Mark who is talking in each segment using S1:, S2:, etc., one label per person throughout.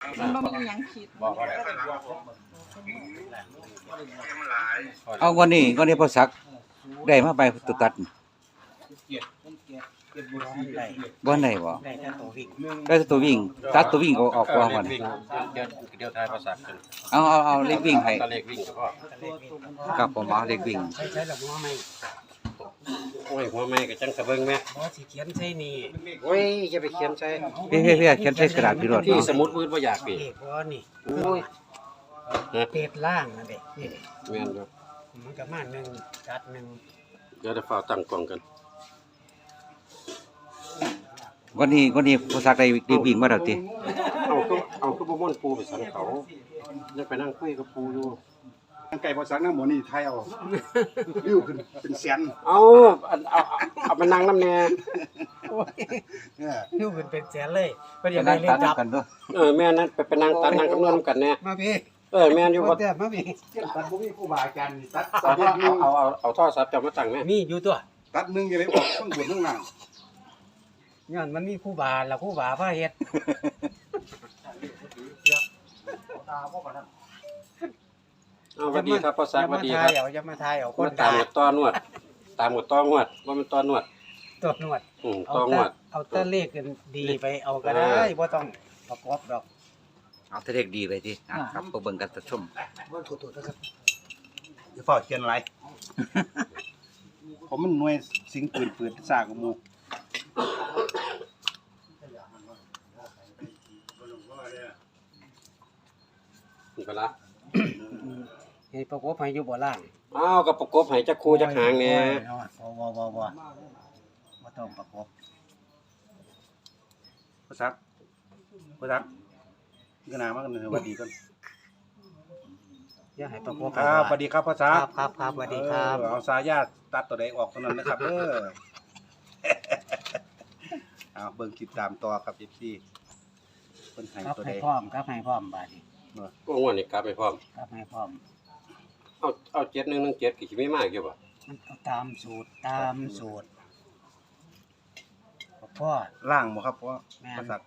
S1: มันบ่มีหยังคิด
S2: บอกว่า
S3: เอาวันนี้พอสักได้มาไปตุตัดบ่ได้บ่
S4: ได้แต่ตัววิ่ง
S3: ได้แต่ตัววิ่งตัดตัววิ่งออกกว่าก่อน
S2: วิ่งเดี๋ยวทายภาษาจน
S3: เอาเล็กวิ่งให้
S2: ตะเล็กวิ่งเฉพาะ
S4: เลขวิ่ง
S3: ครับผมเอาเล็กวิ่ง
S4: ใช้หลักหัวไม่
S2: โอ้ยหัวแม่ก็จังสะเบิ่งแม่
S4: บ่สิเขียนใช่นี่
S2: โอ้ยจะไปเขียนใส่
S3: เฮ้ยเขียนใส่กระดาษพี่รถ
S2: ที่
S3: เนาะ
S2: สมุดมืดบ่อยากปี
S4: เลขบ่นี่
S2: โอ้ย
S4: เป็ดล่างนั่นเด้นี่
S2: แม่นอยู่
S4: มันก็มาจัดหนึ่ง
S2: เดี๋ยวจะฝ้าตั้งกล้องกัน
S3: วันนี้พอสักได้วิ่งมาแล้วติ
S2: เอาคือบ่ม่วนปูไปสันเขาจะไปนั่งคุยกับปูอยู่
S5: ไก่พอสักน้ำหมอนี่ไทยเอาริ้วขึ้นเป็นแสน
S2: เอาเอามานั่งน้ำแน่
S5: เนี่ย
S4: นิ้วขึ้นเป็นแสนเลยเพิ่นอ
S3: จะ
S4: ยาก
S3: ได้
S4: ได้เล
S3: ตั
S4: ข
S3: ด
S4: จับ
S3: กันเด้อ
S2: แม่นั่นไปนั่งตัดนั่งคำนวณกันแน่
S4: มาพี่
S2: แม่นอยู่บ่
S4: เดี๋ยวมาพี่
S5: ตัดพวกนี้ครูบาอาจารย์ตัด
S2: เอาโทรศัพท์จะมาตั้งแม่
S4: มีอยู่ตัว
S5: ตัดหนึ่งยังไงออกข้างบนข้างล่าง
S4: ย้อนมันมีครูบาแล้วครูบาพาเฮ็ด
S2: สวัสดีครับพ่อสักสวัสดีครับ
S4: อย่ามาทายเอาคน
S2: ตามหมดต้อนวดตามหมดต้อนวดว่ามันต้อนวด
S4: ตรวจนวด
S2: ต้อนวด
S4: เอาแต่เลขกันดีไปเอาก็ได้บ่ต้องประกอบดอก
S3: เอาแต่เล็กดีไปติครับเบิ่งกันชม
S4: บ่ถูกๆนะครับ
S5: อย่าฝ่าเขียนอะไรผมมันหน่วยสิงปืนซากกับมู
S2: นี่ก็ละ
S4: ให้ประกอบให้อยู่บ่ล่าง
S2: อ้าวกับประกบให้จักคู่จักหางแหน่
S4: บ่ต้องประกอบ
S5: พอสักก็นามากเลยสวัสดีกัน
S4: อย่าให้ประกอบ
S5: ครับสวัสดีครับพ่อสัก
S4: ครับสวัสดีครับ
S5: เอาสายาตัดตัวใดออกตัวนั้นนะครับเอาเบิ่งคลิปตามต่อครับ FC เพิ่นให้
S4: ครับ
S5: ตัว
S4: ให้
S5: ใด
S4: พร้อมครับให้พร้อมบาดนี้
S2: ก็งวดนี้กลับไปพร้อม
S4: ครับให้พร้อม
S2: เอา7117กี่สิมีมากอยู่บ่
S4: มันเอาตามสูตรพ่อ
S5: ล่างบ่ครับพ่อ
S4: แม่น
S5: พ่อสัก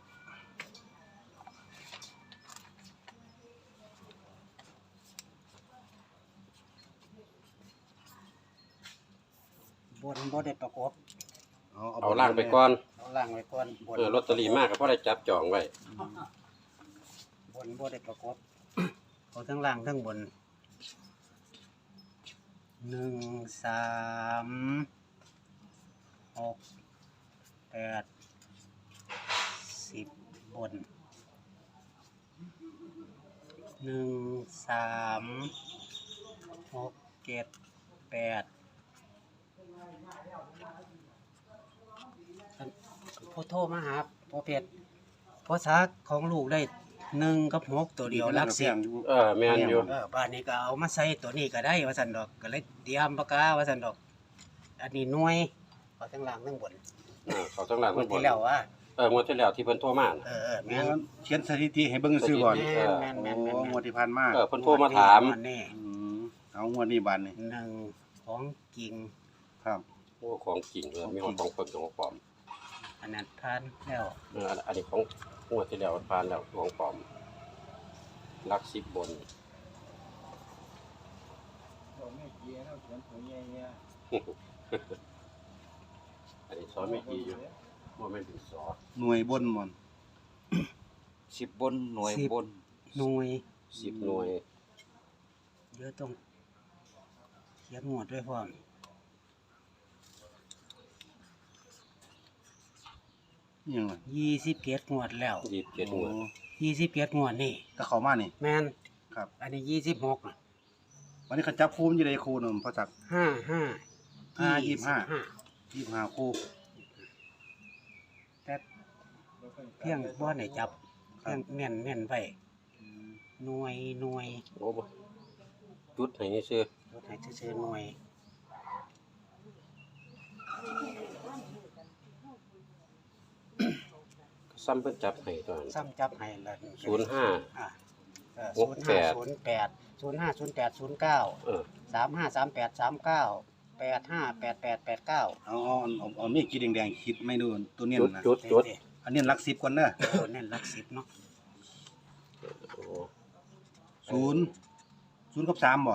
S4: บนบ่ได้ประกอบ
S2: เอาล่างไปก่อน
S4: เอาล่างไว้ก่อนบน
S2: ลอตเตอรี่มากก็พอได้จับจองไว้
S4: บนบ่ได้ประกอบ เอาทั้งล่างทั้งบน1 3 6 8 10บน1 3 6 7 8ผู้โทรมาหาพ่อเพชรพ่อซักของลูกได้1 กับ 6 ตัวเดียวรักเสียง
S2: แม่นอยู่
S4: บ้านนี้ก็เอามาใส่ตัวนี้ก็ได้ว่าซั่นดอกก็เลยเตรียมปากกาว่าซั่นดอก อันนี้หน่วยเอาทั้งล่างทั้งบน
S2: เขาต้องหลัง
S4: คน
S2: ทั้งบน
S4: ที่แล้วว่า
S2: งวดที่แล้วที่เพิ่นโทรมา
S4: แม่น
S5: เขียนสถิติให้เบิ่งซื่อก่อน
S4: แม่น
S5: โอ้งวดที่ผ่านมา
S2: เพิ่นโทรมาถาม
S4: นี่
S5: เอางวดนี้บานนี่
S4: หนึ่งของจริง
S5: ครับ
S2: โอ้ของจริงเลยมีของเพิ่นของปลอม
S4: อันนั้นผ่านแล้ว
S2: อันนี้ของงวดที่แล้วผ่านแล้วของปลอมลัก10บนอันนี้สอนไม่ดีอยู่บ่แม่นดินสอ
S5: หน่วยบนหมอน
S3: 10บนหน่วยบน
S4: หน่วย
S2: 10หน่วย
S4: เดี๋ยวต้องเขียนหมวดด้วยพร้อม
S5: นี่ยังไง
S4: 27งวดแล้ว
S2: 27หน่วย
S4: 27งวดนี่
S5: ก็เข้ามานี่
S4: แม่น
S5: ครับ
S4: อันนี้26น่ะ
S5: วันนี้เขาจับคู่มันอยู่ในคู่หนึ่งพอสัก
S4: 55
S5: 25คู่
S4: แต่เพียงบ่ได้จับเพียงแม่นไว้หน่วย
S2: โอ้บ่จุดให้ซื่อ
S4: รถให้ซื่อๆหน่วย
S2: ซ้ำเพิ่นจับให้ตอนนั้น
S4: ซ้ำจับให้ละ
S2: 05
S4: อ่า
S2: 68
S4: 0508
S2: เออ
S4: 353839 858889
S5: เอามีดกีแดงๆคิดไม่ดูตัวเนี้ยนะ
S2: จุด
S5: อันนี้หลัก10ก่อนเด้อ
S4: ตัวเน้นหลัก10เนาะ
S5: ศูนย์กับสามบ่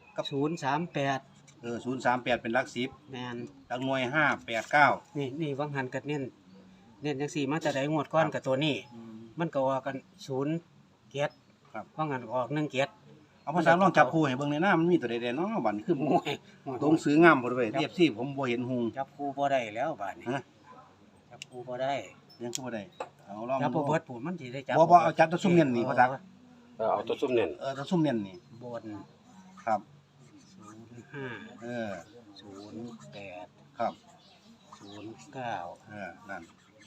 S4: 038
S5: 038เป็นหลัก10
S4: แม่น
S5: หลักหน่วย5 8 9
S4: นี่วังหันก็เน้นจังซี่มาแต่ใดงวดก่อนกับตัวนี้ มันก็ว่ากัน0 7
S5: ครับ
S4: ว่างั้นก็ออก1 7
S5: เอาภาษาลองจับคู่ให้เบิ่งในหน้ามันมีตัวใดๆเนาะบัดนี้คือ
S4: โอ้ย
S5: ตรงซื้องามบ่เว้ย FC ผมบ่เห็นหุง
S4: จับคู่บ่ได้แล้วบาดนี้
S5: ฮะ
S4: จับคู่บ่ได้
S5: ยังคือบ่ได้เอาลอง
S4: จับบ่
S5: ดู
S4: เบิดผมมันสิได้จับ
S5: บ่เอาจับตัวซุ่มเน้นนี่พ่อจัก
S2: เอาตัวซุ่มเน้น
S5: ตัวซุ่มเน้นนี่
S4: บน
S5: ครับ
S4: 05
S5: เออ
S4: 08
S5: ครับ
S4: 09
S5: นั่น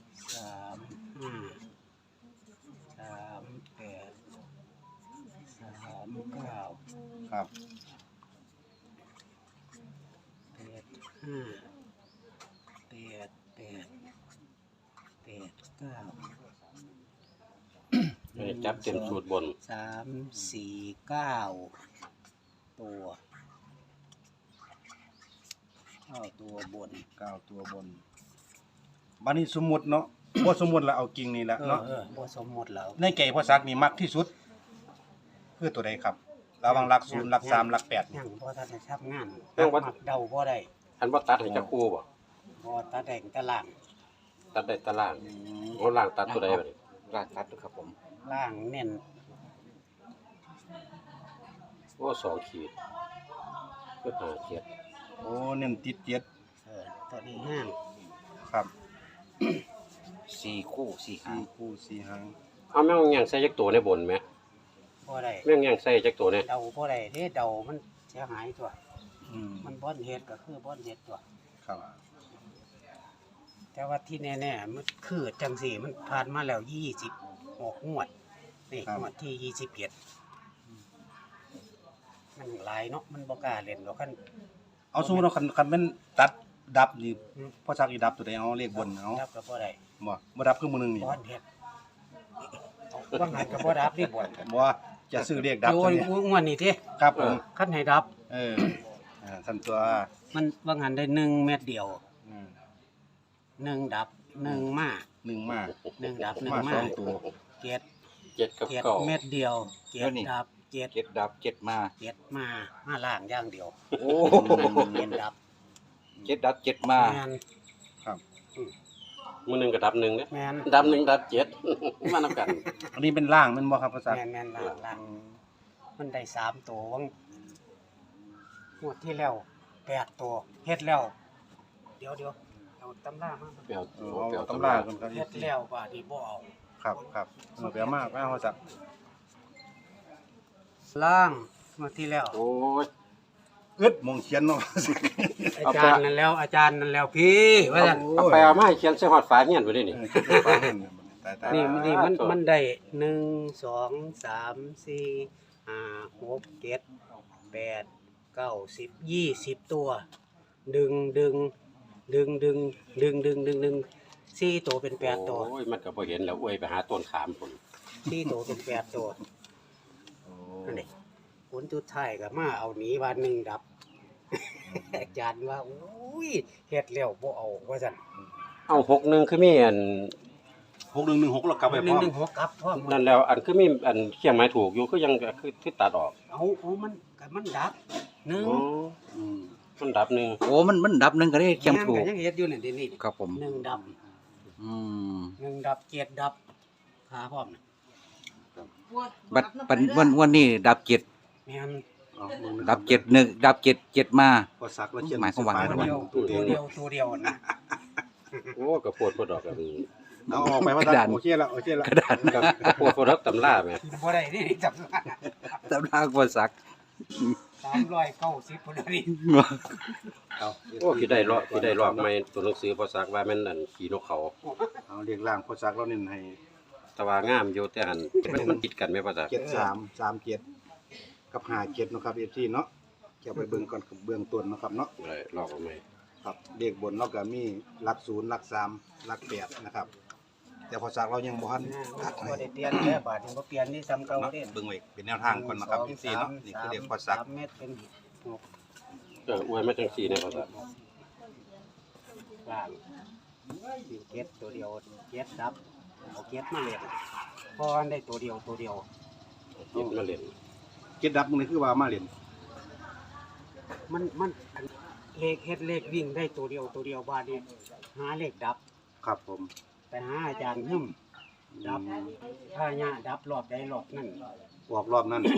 S4: 35 38 39
S5: ครับ
S2: จับเต็มสูตรบน
S4: 349 ตัวตัวบน
S5: 9ตัวบนบัดนี้สมมุติเนาะ บ่สมมุติแล้วเอาจริงนี่แหละเนาะ
S4: บ่สมมุติแล้ว
S5: ในใจพ่อซักนี่มักที่สุดคือตัวใดครับระหว่างหลัก0หลัก3หลัก8
S4: ยังบ่ทันได้ทำงาน
S2: ยังบ่
S4: มักเดาบ่ได้
S2: อันว่าตัดให้จักคู่บ่
S4: บ่ตาแดงตะล่าง
S2: ตัดได้ตารางโอ้ล่างตัดตัวใดบัดนี้
S3: รากตัดครับผม
S4: ล่างเน้น
S2: โอ้2ขีดคือ5ขีด
S5: โอ้เน้นติด7
S4: ตัวนี้ห้าง
S5: ครับ
S3: 4 คู่4หาง
S5: 4คู่4หาง
S2: เอาแม่งยังใส่จักตัวในบนไหม
S4: บ่ได้
S2: แม่งยังใส่จักตัวเนี่ย
S4: เดาบ่ได้เด้เดามันเสียหายตัว
S5: อืม
S4: มันบ่อนเฮ็ดก็คือบ่อนเฮ็ดตัว
S5: ครับ
S4: แต่ว่าที่แน่ๆมันคือจังสี่มันผ่านมาแล้ว26งวดนี่งวดที่21มันหลายเนาะมันบ่กล้าเล่นดอกคัน
S5: เอาสมมุติว่าคันแม่นตัดดับนี่
S4: อืม
S5: พ่อซักอีดับตัวใดเอาเลขบนเอา
S4: ดับก็บ่ได้
S5: บ่ดับคือมื้อนึงนี่
S4: บ่อนเฮ็ดว่าหันก็บ่ดับนี่บ่อน
S5: บ่จะซื้อเลขดับ
S4: โอ้
S5: ตัวย นี้
S4: งวดนี้ติ
S5: ครับผม
S4: คันให้ดับ
S5: สั่นตัว
S4: มันว่าหันได้1เม็ดเดียว
S5: อืม
S4: 1ดับ1มา
S5: 1มา
S4: 1ดับ1
S5: มา
S4: มา
S5: สองตัว
S4: เจ็ด
S2: 7กับ
S4: เจ็ด
S2: 9
S4: เม็ดเดียวเจ็ดดับเจ็ด
S3: 7ดับ7มา
S4: เจ็ดมาล่างอย่างเดียว
S3: โอ้
S4: เจ็ดดับ
S3: 7ดับ7มา
S4: แมน
S5: ครับ
S2: มื้อหนึงก็ดับ1เด้
S4: แมน
S2: ดับ1ดับ7 มานำกัน
S5: อันนี้เป็นล่างแม่นบ่ครับพ่อซัก
S4: แมนล่างมันได้3ตัววังงวดที่แล้ว8ตัวเฮ็ดแล้ว เดี๋ยวเอาตำรามา
S2: เปลี่ยว
S5: เอาตำรากันครับ
S4: เฮ็ดแล้วว่านี่บ่เอา
S5: ครับเปียมากพ่อซัก
S4: ล่างงวดที่แล้ว
S2: โอ้ย
S5: อึดมงเขียนเนาะ
S4: อาจารย์นั่นแล้วพี่ว่าซั่น
S2: เอาไปเอามาให้เขียนใส่ฮอดฝาเฮียนไว้ดินี่
S5: ตาย
S4: นี่มันได้1 2 3 4 5 6 7 8 9 10 20 ตัว ดึง4ตัวเป็น8ตัว
S2: โอ้ยมันก็บ่เห็นแล้วอวยไปหาต้นขามพุ่น
S4: 4ตัวเป็น8ตัวนั่นนี่ผลสุดท้ายก็มาเอาหนีว่า1ดับ อาจารย์ว่าโอ้ยเฮ็ดแล้วบ่เอาว่าซั่น
S2: เอา61คือมีอัน
S5: 6116แล้วกลับไปพร้อม
S4: 116ครับพร้อม
S2: นั่นแล้วอันคือมีอันเคียงไม้ถูกอยู่คือยังคือตัดออก
S4: เอามันดับ1
S2: อ๋อมันดับหนึง
S3: โอ้มันดับ1ก็ได้เคียงถูก
S4: ยังเฮ็ดอยู่นี่นี่
S3: ครับผม
S4: 1ดับ
S3: อืม
S4: 1ดับ7ดับหาพร้อมน่ะ
S3: บัดวันนี้ดับ7
S4: แม่น
S3: ดับ7 1ดับ7 7มา
S5: พอซักแล้วเขียน
S3: หมายความว่าไง
S4: ตัวเดียวนะ
S2: โอ้ก็โพดดอกกัน
S5: เอาออกไปว่าซักโอเคแล้ว
S3: กระดาน
S2: ก็โพดดอกตำราแม่
S4: บ่ได้นี่จำได้
S3: ตำราบ่ซัก
S4: 390พุ่นนี่
S5: เอา
S2: โอ้สิได้รอบใหม่ตัวหนังสือภาษาว่าแม่นอันขี่นกเขา
S5: เอาเรียกล่างพอซักแล้วเน้นให้
S2: แต่ว่างามอยู่แต่หันมันติดกันแม่ภาษา
S5: 7337กับ57เนาะครับ FC เนาะเก็บไปเบิ่งก่อนเบื้องต้นเนาะครับเนาะ
S2: เลยลอกเอาใหม่
S5: ครับเลขบนเราก็มีหลัก0หลัก3หลัก8นะครับแต่พอซักเรายังบ่ทันตัดให้
S4: บ่ได้เปลี่ยนแค่บาทนี่บ่เปลี่ยนนี่ซ้ำเก่าเด้
S5: เบิ่งไว้เป็นแนวทางก่อนนะครับ FC เนาะนี่คือเลขพอซัก
S4: 3เม็ดเป็น
S2: อวยมาจังซี่ในภาษา
S4: ล่างเก็ดตัวเดียวเก็ดดับเอาเก็ดมาเล่นพอได้ตัวเดียว
S2: คิดมาเล่น
S5: เจ็ดดับมึงนี่คือว่ามาเล่น
S4: มันเลขเฮ็ดเลขวิ่งได้ตัวเดียวบาดนี้หาเลขดับ
S5: ครับผม
S4: ไปหาอาจารย์หึ่มดับถ้าญาดับรอบใดรอบนั่น
S5: ออกรอบนั้น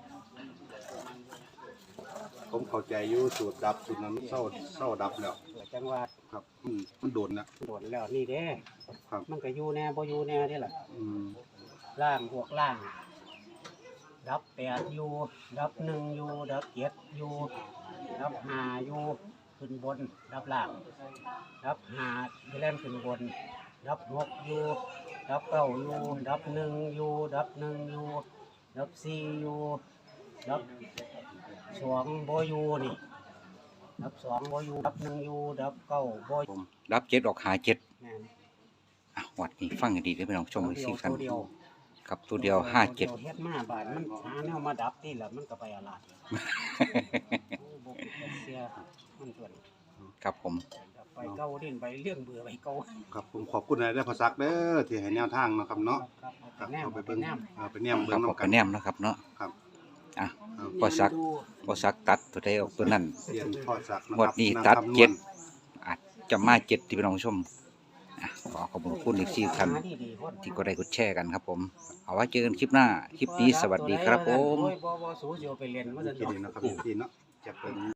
S5: ผมเข้าใจอยู่สูตรดับสูตรนั้นเศร้าดับแล้ว
S4: จังว่า
S5: ครับมันโดนนะ
S4: โดนแล้วนี่เด้
S5: ครับ
S4: มันก็อยู่แน่บ่อยู่แน่เด้ล่ะ
S5: อืม
S4: ล่างพวกล่าง ดับ8อยู่ดับ1อยู่ดับ7อยู่ดับ5อยู่ขึ้นบนดับล่างดับ5แล่นขึ้นบนดับ6อยู่ดับ9อยู่ดับ1อยู่ดับ1อยู่ดับ4อยู่ดับ2บ่อยู่นี่ดับ2บ่อยู่ดับ1อยู่ดับ9บ่อยู่
S3: รับเจ็ดออกหาเจ็ด
S4: แม่น
S3: อ่ะวัดนี้ฟังให้ดีเด้อพี่น้องชมให้สิกัน
S4: ตัวเดียว
S3: ครับตัวเดียวห้าเจ็ด
S4: เฮ็ดมาบาดมันหาแนวมาดับนี่แหละมันก็ไปอาลาดโอ้บ่เป็นเสียมันส่วน
S3: ครับผม
S4: ไปเก่าดินไปเรื่องเบื่อไปเก่า
S5: ครับผมขอบคุณนายได้พอซักเด้อที่ให้แนวทางเนาะครับเนาะ
S4: ครับ
S5: ครับ
S4: แนม
S5: เอาไป
S4: ไป
S5: เบิ่ง
S4: แนม
S5: ไปแนม
S3: ค
S5: เบิ่
S3: รับ
S5: ง
S3: ขอบ
S5: นำกั
S3: กัน
S5: น
S3: แนมนะครับเนาะ
S5: ครับ
S3: อ่ะ
S5: ครับ
S3: พอซัก พอซักตัดตัวใดออกตัวนั้น
S5: เสียนพอซักนะ
S3: งว
S5: ค
S3: ด
S5: รับ
S3: นี้
S5: นำ
S3: ตัด
S5: คำนวณ
S3: เจ็ดอาจจะมาเจ็ดที่พี่น้องชมอ่ะขอขอบคุณอีก4ท่าน
S4: หาดีๆคน
S3: ที่ก็ได้กดแชร์กันครับผม เอาไว้เจอกันคลิปหน้า คลิปนี้สวัสดีครับผม
S4: โอ้ยบ่สู้สิเอาไปเล่นว่าซั่น
S5: ที่
S4: ดอก
S5: นี่เนาะครับที่เนาะจะเป็น